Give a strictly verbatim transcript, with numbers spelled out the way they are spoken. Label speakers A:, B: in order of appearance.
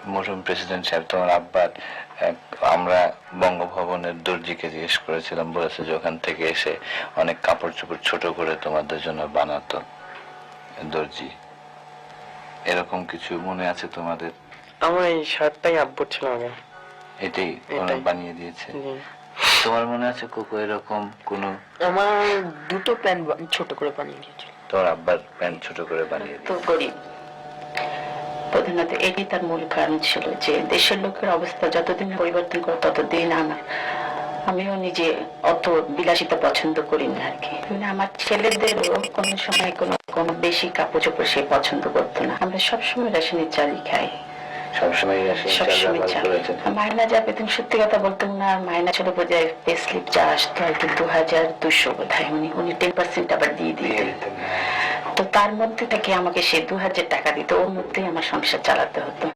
A: মরহুম প্রেসিডেন্ট সাহেব, তোমার আব্বার আমরা বঙ্গভবনের দর্জিকে জিজ্ঞেস করেছিলাম, বলেছে যে ওখান থেকে এসে অনেক কাপড় চোপড় ছোট করে তোমাদের জন্য বানাতো দর্জি। এরকম কিছু মনে আছে তোমাদের?
B: আমার এই শার্টটাই আব্বুর ছিল আগে,
A: এটাই ওরা বানিয়ে দিয়েছে। তোমার মনে আছে কোকো এরকম কোন?
C: আমার দুটো প্যান্ট ছোট করে বানিয়ে দিয়েছিল।
A: তোমার আব্বার প্যান্ট ছোট করে বানিয়ে
D: তো গরিব, প্রধানত এটি তার মূল কারণ ছিল যে দেশের লোকের অবস্থা যতদিন পরিবর্তন করে ততদিন আমার আমিও নিজে অত বিলাসিতা পছন্দ করি না আর কি। আমার ছেলেদেরও কোনো সময় কোনো কোনো বেশি কাপড় চোপড় সে পছন্দ করতো না। আমরা সবসময় রেশনের চালই খাই,
A: সবসময়
D: সবসময় চাল। মাইনা যা পেতেন সত্যি কথা বলতে না, মাইনা ছিল বোঝায় পে স্লিপ যা আসতো আর কি দু হাজার দুশো বোধ হয়, উনি উনি টেন পার্সেন্ট আবার দিয়ে দিয়ে তো তার মধ্যে থেকে আমাকে সে দু হাজার টাকা দিত, ওর মধ্যেই আমার সংসার চালাতে হতো।